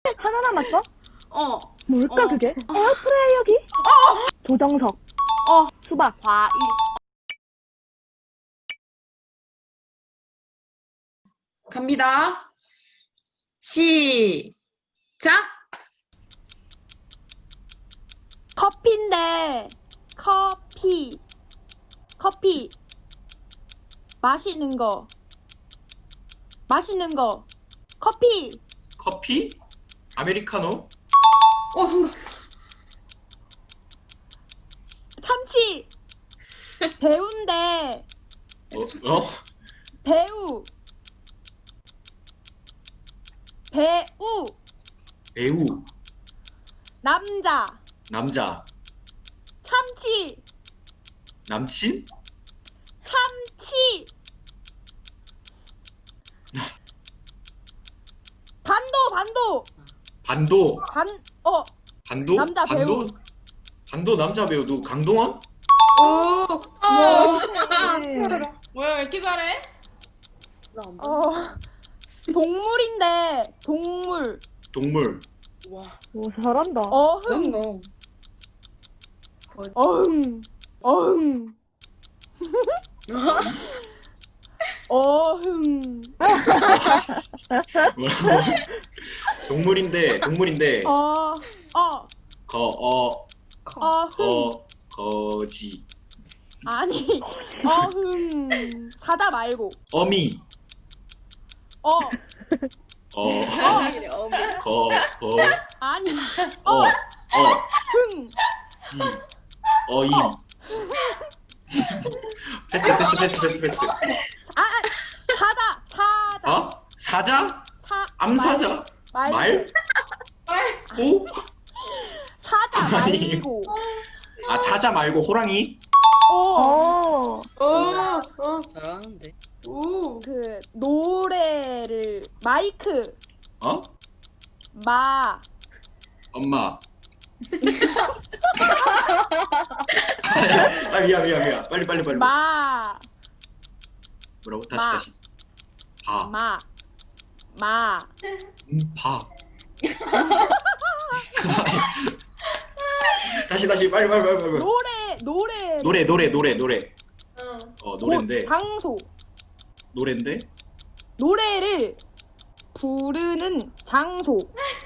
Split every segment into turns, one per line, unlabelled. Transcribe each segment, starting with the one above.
하나 남았어? 뭘까
어.
그게? 에어프라이어기? 조정석. 수박.
과일.
갑니다. 시작!
커피인데 커피 마시는 거 커피
커피? 아메리카노?
정답.
참치 배우인데
어?
배우
배우.
남자
남자.
참치
남친?
반도
반도. 반도?
남자 배우.
반도 남자 배우 누구? 강동원?
뭐야, 왜 이렇게 잘해?
동물인데 동물
동물.
와,
오 잘한다.
어흥 어흥
뭐라고? 동물인데 거지.
아니 사자 말고
어미.
거 아니 흥
어이. 패스.
사자
어? 사자? 암사자? 말? 호?
사자
아니.
말고
아 사자 말고 호랑이?
잘하는데.
그 노래를 마이크
어? 엄마. 아 미안. 빨리. 뭐라고? 다시. 봐. 봐. 다시 빨리. 노래. 노래인데.
장소
노래인데.
노래를 부르는 장소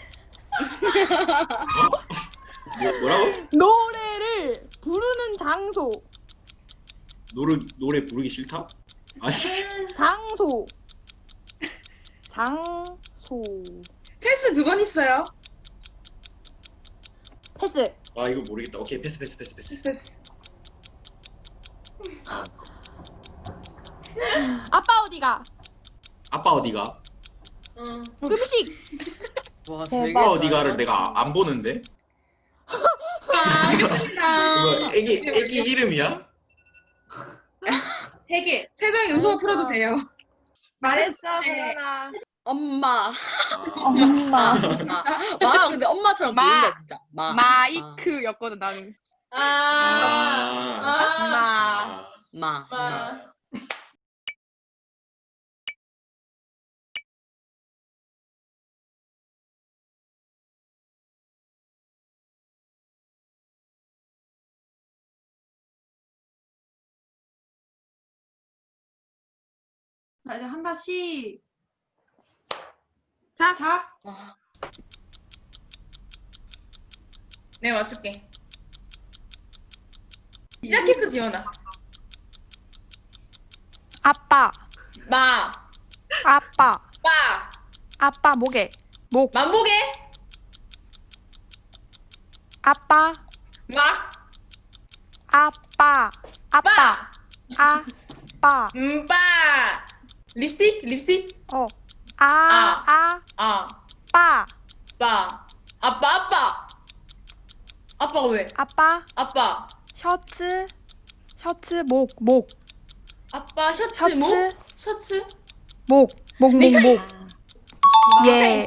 뭐라고?
노래를 부르는 장소
노래 부르기 싫다? 아니.
장소
패스 2번 있어요.
패스
아 이거 모르겠다. 오케이 패스.
패스.
아빠 어디가
아빠 어디가?
음식
와,
대박.
아빠 어디가를 내가 안 보는데? 이거 애기 이름이야?
3개. 세정이 음소거 풀어도 돼요.
말했어,
네.
소연아.
엄마.
엄마.
와, 근데 엄마처럼 보인다 진짜.
마이크였거든, 나는.
마.
자, 이제 한다, 시작.
네, 맞출게. 시작했어, 지원아.
아빠
마.
아빠 목에
만보게.
아빠
막.
아빠
빠. 립스틱. 아.
빠
빠. 아빠가 왜? 아빠.
셔츠
아빠 셔츠 뭐? 셔츠?
목
넥타이.
예.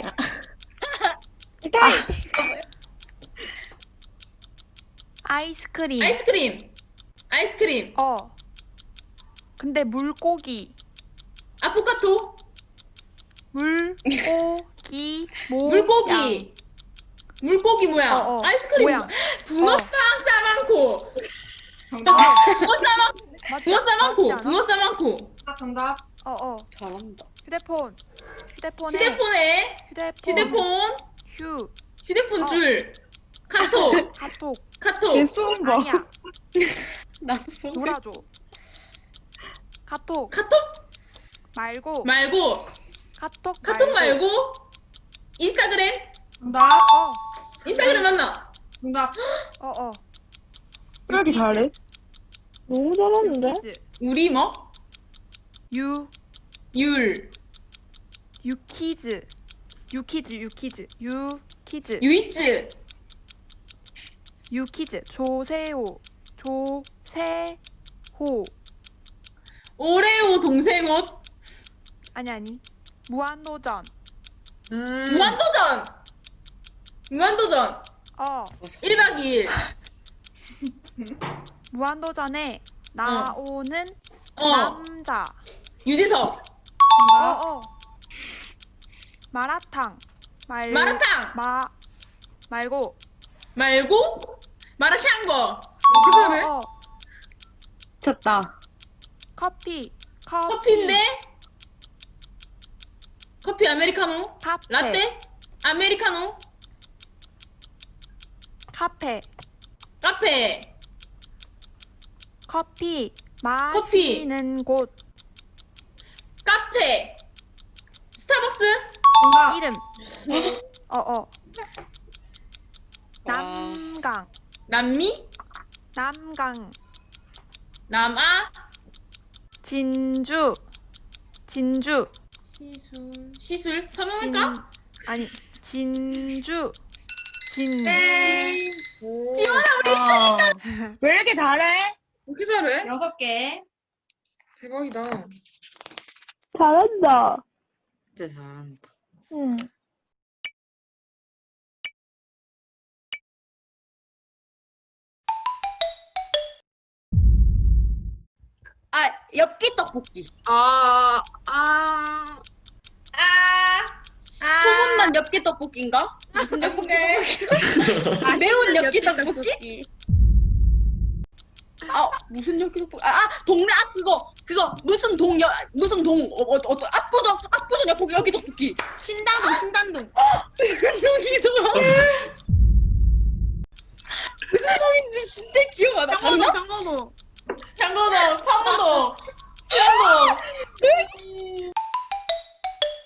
아이스크림.
아이스크림.
근데 물고기.
아포카토.
물고기.
물고기. 물고기 모양.
어, 어.
아이스크림
모양.
붕어
어.
싸만코.
정답.
붕어 싸만.
맞지?
붕어 싸만코.
맞지 않아?
붕어 싸만코.
정답.
잘한다.
휴대폰에
휴대폰. 휴대폰
어.
줄. 카톡. 카톡.
개쏘는 거.
아니야.
나
놀아줘. 카톡
카톡
말고
말고.
카톡
카톡 말고. 인스타그램.
정답.
인스타그램 맞나?
정답.
왜 이렇게 잘해? 너무 잘하는데?
유키즈
우리 뭐?
유
율.
유키즈
유이츠.
유키즈 조세호
오레오 동생 옷.
아니 무한도전
무한도전. 무한도전. 1박 2일.
무한도전에 나오는 남자
유재석.
마라탕
마라탕.
말고
마라샹궈.
미쳤다.
커피인데? 커피 아메리카노?
카페
라떼? 아메리카노?
카페
카페.
커피 마시는 곳
카페. 스타벅스?
정답.
이름
와.
남강
남미? 남아?
진주
시술? 성형외과?
아니 진주
땡.
왜 이렇게 잘해?
어떻게 잘해?
6개.
대박이다.
잘한다.
진짜 잘한다.
응.
엽기 떡볶이. 소문난 엽기 떡볶이인가? 무슨 떡볶이? 매운 엽기 떡볶이? 무슨 엽기 떡볶이? 동네 그거 무슨 동 어떤 압구정 엽기 떡볶이.
신당동.
무슨 동이더라? 무슨 동인지 진짜 기억 안 나.
장거동. 파무동. 수영동.